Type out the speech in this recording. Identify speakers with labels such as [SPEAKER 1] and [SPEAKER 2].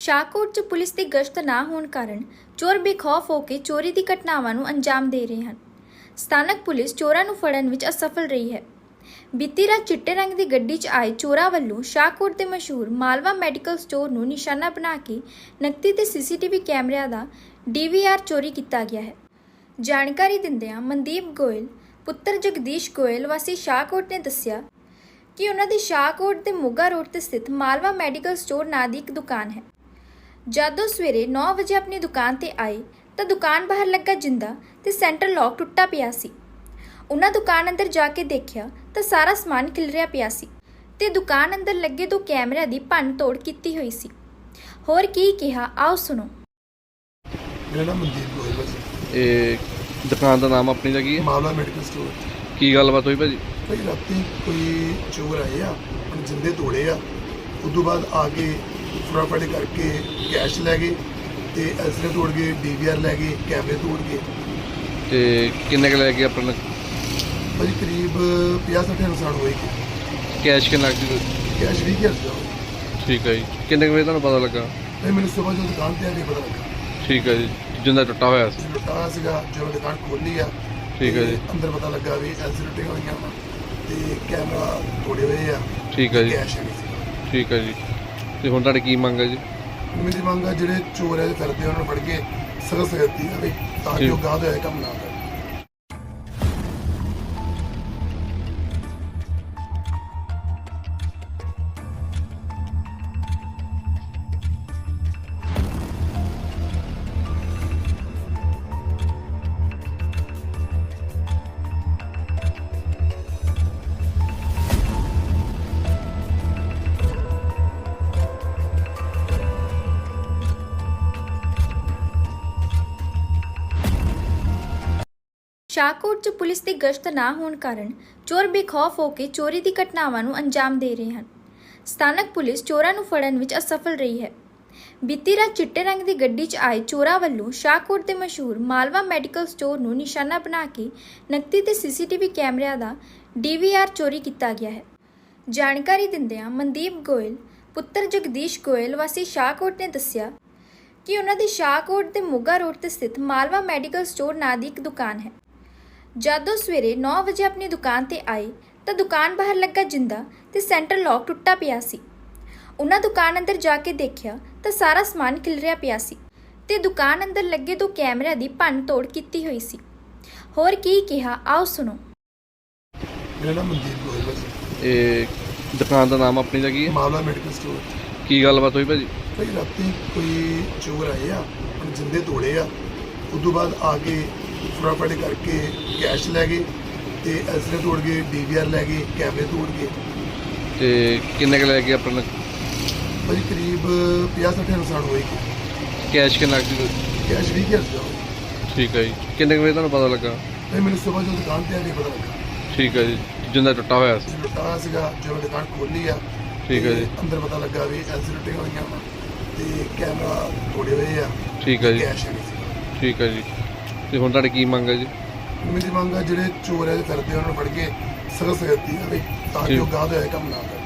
[SPEAKER 1] ਸ਼ਾਹਕੋਟ 'ਚ ਪੁਲਿਸ ਦੀ ਗਸ਼ਤ ਨਾ ਹੋਣ ਕਾਰਨ ਚੋਰ ਬੇਖੌਫ ਹੋ ਕੇ ਚੋਰੀ ਦੀ ਘਟਨਾਵਾਂ ਨੂੰ ਅੰਜਾਮ ਦੇ ਰਹੇ ਹਨ। ਸਥਾਨਕ ਪੁਲਿਸ ਚੋਰਾਂ ਨੂੰ ਫੜਨ ਵਿੱਚ ਅਸਫਲ ਰਹੀ ਹੈ। ਬੀਤੀ ਰਾਤ ਚਿੱਟੇ ਰੰਗ ਦੀ ਗੱਡੀ 'ਚ ਆਏ ਚੋਰਾਂ ਵੱਲੋਂ ਸ਼ਾਹਕੋਟ ਦੇ ਮਸ਼ਹੂਰ ਮਾਲਵਾ ਮੈਡੀਕਲ ਸਟੋਰ ਨੂੰ ਨਿਸ਼ਾਨਾ ਬਣਾ ਕੇ ਨਕਦੀ ਤੇ ਸੀਸੀਟੀਵੀ ਕੈਮਰਿਆਂ ਦਾ DVR ਚੋਰੀ ਕੀਤਾ ਗਿਆ ਹੈ। ਜਾਣਕਾਰੀ ਦਿੰਦਿਆਂ ਮਨਦੀਪ ਗੋਇਲ ਪੁੱਤਰ ਜਗਦੀਸ਼ ਗੋਇਲ ਵਾਸੀ ਸ਼ਾਹਕੋਟ ਨੇ ਦੱਸਿਆ ਕਿ ਉਹਨਾਂ ਦੀ ਸ਼ਾਹਕੋਟ ਦੇ ਮੋਗਾ ਰੋਡ ਤੇ ਸਥਿਤ ਮਾਲਵਾ ਮੈਡੀਕਲ ਸਟੋਰ ਨਾਂ ਦੀ ਇੱਕ ਦੁਕਾਨ ਹੈ। ਜਦੋਂ ਸਵੇਰੇ 9 ਵਜੇ ਆਪਣੀ ਦੁਕਾਨ ਤੇ ਆਏ ਤਾਂ ਦੁਕਾਨ ਬਾਹਰ ਲੱਗਾ ਜਿੰਦਾ ਤੇ ਸੈਂਟਰ ਲੌਕ ਟੁੱਟਾ ਪਿਆ ਸੀ। ਉਹਨਾਂ ਦੁਕਾਨ ਅੰਦਰ ਜਾ ਕੇ ਦੇਖਿਆ ਤਾਂ ਸਾਰਾ ਸਮਾਨ ਖਿਲਰਿਆ ਪਿਆ ਸੀ ਤੇ ਦੁਕਾਨ ਅੰਦਰ ਲੱਗੇ 2 ਕੈਮਰਿਆਂ ਦੀ ਭੰਨ ਤੋੜ ਕੀਤੀ ਹੋਈ ਸੀ। ਹੋਰ ਕੀ ਕਿਹਾ ਆਓ ਸੁਣੋ।
[SPEAKER 2] ਮੇਰਾ ਨਾਮ ਮਨਦੀਪ ਗੋਇਲ ਭਾਜੀ।
[SPEAKER 3] ਇਹ ਦੁਕਾਨ ਦਾ ਨਾਮ ਆਪਣੀ ਦਾ ਕੀ ਹੈ?
[SPEAKER 2] ਮਾਵਲਾ ਮੈਡੀਕਲ ਸਟੋਰ।
[SPEAKER 3] ਕੀ ਗੱਲਬਾਤ ਹੋਈ ਭਾਜੀ?
[SPEAKER 2] ਭਾਈ ਰਾਤੀ ਕੋਈ ਚੋਰ ਆਏ ਆ, ਆਪਣੇ ਜਿੰਦੇ ਤੋੜੇ ਆ। ਉਸ ਤੋਂ ਬਾਅਦ ਆ ਕੇ ਫਟਾਫਟ ਕਰਕੇ ਕੈਸ਼ ਲੈ ਗਏ ਤੇ ਐਲਸੀਡੀ ਤੋੜ ਗਏ, DVR ਲੈ ਗਏ, ਕੈਮਰੇ ਤੋੜ ਗਏ।
[SPEAKER 3] ਤੇ ਕਿੰਨੇ ਕੁ ਲੈ ਕੇ ਆਪਣਾ
[SPEAKER 2] ਭਾਜੀ ਕਰੀਬ 50-60 ਨੁਕਸਾਨ ਹੋਏਗੀ।
[SPEAKER 3] ਕੈਸ਼ ਕਿੰਨਾ ਕੁ?
[SPEAKER 2] ਕੈਸ਼ 20,000 ਦਾ।
[SPEAKER 3] ਠੀਕ ਹੈ ਜੀ। ਕਿੰਨੇ ਕੁ ਵਜੇ ਤੁਹਾਨੂੰ ਪਤਾ ਲੱਗਾ?
[SPEAKER 2] ਭਾਈ ਮੈਨੂੰ ਸਵੇਰ ਜਦੋਂ ਦੁਕਾਨ ਤੇ ਆ ਕੇ ਪਤਾ ਲੱਗਾ।
[SPEAKER 3] ਠੀਕ ਹੈ ਜੀ। ਜਿੰਦਾ ਟੁੱਟਾ ਹੋਇਆ ਸੀ।
[SPEAKER 2] ਲੁੱਟਾ ਸੀਗਾ, ਜਦੋਂ ਦੁਕਾਨ ਖੋਲੀ ਆ
[SPEAKER 3] ਠੀਕ ਹੈ ਜੀ।
[SPEAKER 2] ਅੰਦਰ ਪਤਾ ਲੱਗਾ ਵੀ ਐਲਸੀਡੀ ਟੁੱਟੀਆਂ ਹੋਈਆਂ ਵਾ ਤੇ ਕੈਮਰਾ ਤੋੜੇ ਹੋਏ ਆ।
[SPEAKER 3] ਠੀਕ ਹੈ ਜੀ।
[SPEAKER 2] ਕੈਸ਼ ਨਹੀਂ ਸੀ।
[SPEAKER 3] ਠੀਕ ਹੈ ਜੀ। ਤੇ ਹੁਣ ਤੁਹਾਡੀ ਕੀ ਮੰਗ ਹੈ ਜੀ?
[SPEAKER 2] ਮੇਰੀ ਮੰਗ ਆ ਜਿਹੜੇ ਚੋਰ ਐ ਫਿਰਦੇ ਉਹਨਾਂ ਨੂੰ ਫੜ ਕੇ ਸਖਤ ਦਿੱਤੀ ਜਾਵੇ ਤਾਂ ਕਿ ਉਹ ਗਾਹ ਦਾ ਇਹ ਕੰਮ ਨਾ ਕਰਨ।
[SPEAKER 1] ਸ਼ਾਹਕੋਟ 'ਚ ਪੁਲਿਸ ਦੀ ਗਸ਼ਤ ਨਾ ਹੋਣ ਕਾਰਨ ਚੋਰ ਬੇਖੌਫ ਹੋ ਕੇ ਚੋਰੀ ਦੀ ਘਟਨਾਵਾਂ ਨੂੰ ਅੰਜਾਮ ਦੇ ਰਹੇ ਹਨ। ਸਥਾਨਕ ਪੁਲਿਸ ਚੋਰਾਂ ਨੂੰ ਫੜਨ ਵਿੱਚ ਅਸਫਲ ਰਹੀ ਹੈ। ਬੀਤੀ ਰਾਤ ਚਿੱਟੇ ਰੰਗ ਦੀ ਗੱਡੀ 'ਚ ਆਏ ਚੋਰਾਂ ਵੱਲੋਂ ਸ਼ਾਹਕੋਟ ਦੇ ਮਸ਼ਹੂਰ ਮਾਲਵਾ ਮੈਡੀਕਲ ਸਟੋਰ ਨੂੰ ਨਿਸ਼ਾਨਾ ਬਣਾ ਕੇ ਨਕਦੀ ਤੇ ਸੀਸੀਟੀਵੀ ਕੈਮਰਿਆਂ ਦਾ DVR ਚੋਰੀ ਕੀਤਾ ਗਿਆ ਹੈ। ਜਾਣਕਾਰੀ ਦਿੰਦਿਆਂ ਮਨਦੀਪ ਗੋਇਲ ਪੁੱਤਰ ਜਗਦੀਸ਼ ਗੋਇਲ ਵਾਸੀ ਸ਼ਾਹਕੋਟ ਨੇ ਦੱਸਿਆ ਕਿ ਉਹਨਾਂ ਦੀ ਸ਼ਾਹਕੋਟ ਦੇ ਮੋਗਾ ਰੋਡ ਤੇ ਸਥਿਤ ਮਾਲਵਾ ਮੈਡੀਕਲ ਸਟੋਰ ਨਾਂ ਦੀ ਇੱਕ ਦੁਕਾਨ ਹੈ। ਜਦੋਂ ਸਵੇਰੇ 9 ਵਜੇ ਆਪਣੀ ਦੁਕਾਨ ਤੇ ਆਏ ਤਾਂ ਦੁਕਾਨ ਬਾਹਰ ਲੱਗਾ ਜਿੰਦਾ ਤੇ ਸੈਂਟਰ ਲੌਕ ਟੁੱਟਾ ਪਿਆ ਸੀ। ਉਹਨਾਂ ਦੁਕਾਨ ਅੰਦਰ ਜਾ ਕੇ ਦੇਖਿਆ ਤਾਂ ਸਾਰਾ ਸਮਾਨ ਖਿਲਰਿਆ ਪਿਆ ਸੀ ਤੇ ਦੁਕਾਨ ਅੰਦਰ ਲੱਗੇ 2 ਕੈਮਰਿਆਂ ਦੀ ਭੰਨ ਤੋੜ ਕੀਤੀ ਹੋਈ ਸੀ। ਹੋਰ ਕੀ ਕਿਹਾ ਆਓ ਸੁਣੋ।
[SPEAKER 2] ਮੇਰਾ ਨਾਮ ਮਨਦੀਪ ਗੋਇਲ ਭਾਜੀ।
[SPEAKER 3] ਇਹ ਦੁਕਾਨ ਦਾ ਨਾਮ ਆਪਣੀ ਦਾ ਕੀ ਹੈ?
[SPEAKER 2] ਮਾਵਲਾ ਮੈਡੀਕਲ ਸਟੋਰ।
[SPEAKER 3] ਕੀ ਗੱਲਬਾਤ ਹੋਈ ਭਾਜੀ?
[SPEAKER 2] ਭਾਈ ਰਾਤੀ ਕੋਈ ਚੋਰ ਆਏ ਆ, ਆਪਣੇ ਜਿੰਦੇ ਤੋੜੇ ਆ। ਉਸ ਤੋਂ ਬਾਅਦ ਆ ਕੇ ਫਟਾਫਟ ਕਰਕੇ ਕੈਸ਼ ਲੈ ਗਏ ਤੇ ਐਲਸੀਡੀ ਤੋੜ ਗਏ, DVR ਲੈ ਗਏ, ਕੈਮਰੇ ਤੋੜ ਗਏ।
[SPEAKER 3] ਤੇ ਕਿੰਨੇ ਕੁ ਲੈ ਕੇ ਆਪਣਾ
[SPEAKER 2] ਭਾਜੀ ਕਰੀਬ 50-60 ਨੁਕਸਾਨ ਹੋਏਗੀ।
[SPEAKER 3] ਕੈਸ਼ ਕਿੰਨਾ ਕੁ?
[SPEAKER 2] ਕੈਸ਼ 20,000 ਦਾ।
[SPEAKER 3] ਠੀਕ ਹੈ ਜੀ। ਕਿੰਨੇ ਕੁ ਵਜੇ ਤੁਹਾਨੂੰ ਪਤਾ ਲੱਗਾ?
[SPEAKER 2] ਭਾਈ ਮੈਨੂੰ ਸਵੇਰ ਜਦੋਂ ਦੁਕਾਨ ਤੇ ਆ ਕੇ ਪਤਾ ਲੱਗਾ।
[SPEAKER 3] ਠੀਕ ਹੈ ਜੀ। ਜਿੰਦਾ ਟੁੱਟਾ ਹੋਇਆ ਸੀ।
[SPEAKER 2] ਲੁੱਟਾ ਸੀਗਾ, ਜਦੋਂ ਦੁਕਾਨ ਖੋਲੀ ਆ
[SPEAKER 3] ਠੀਕ ਹੈ ਜੀ।
[SPEAKER 2] ਅੰਦਰ ਪਤਾ ਲੱਗਾ ਵੀ ਐਲਸੀਡੀ ਟੁੱਟੀਆਂ ਹੋਈਆਂ ਵਾ ਤੇ ਕੈਮਰਾ ਤੋੜੇ ਹੋਏ ਆ।
[SPEAKER 3] ਠੀਕ ਹੈ ਜੀ।
[SPEAKER 2] ਕੈਸ਼ ਨਹੀਂ ਸੀ।
[SPEAKER 3] ਠੀਕ ਹੈ ਜੀ। ਤੇ ਹੁਣ ਤੁਹਾਡੀ ਕੀ ਮੰਗ ਹੈ ਜੀ?
[SPEAKER 2] ਮੇਰੀ ਮੰਗ ਆ ਜਿਹੜੇ ਚੋਰ ਐ ਫਿਰਦੇ ਉਹਨਾਂ ਨੂੰ ਫੜ ਕੇ ਸਖਤ ਦਿੱਤੀ ਜਾਵੇ ਤਾਂ ਕਿ ਉਹ ਗਾਹ ਦਾ ਇਹ ਕੰਮ ਨਾ ਕਰਨ।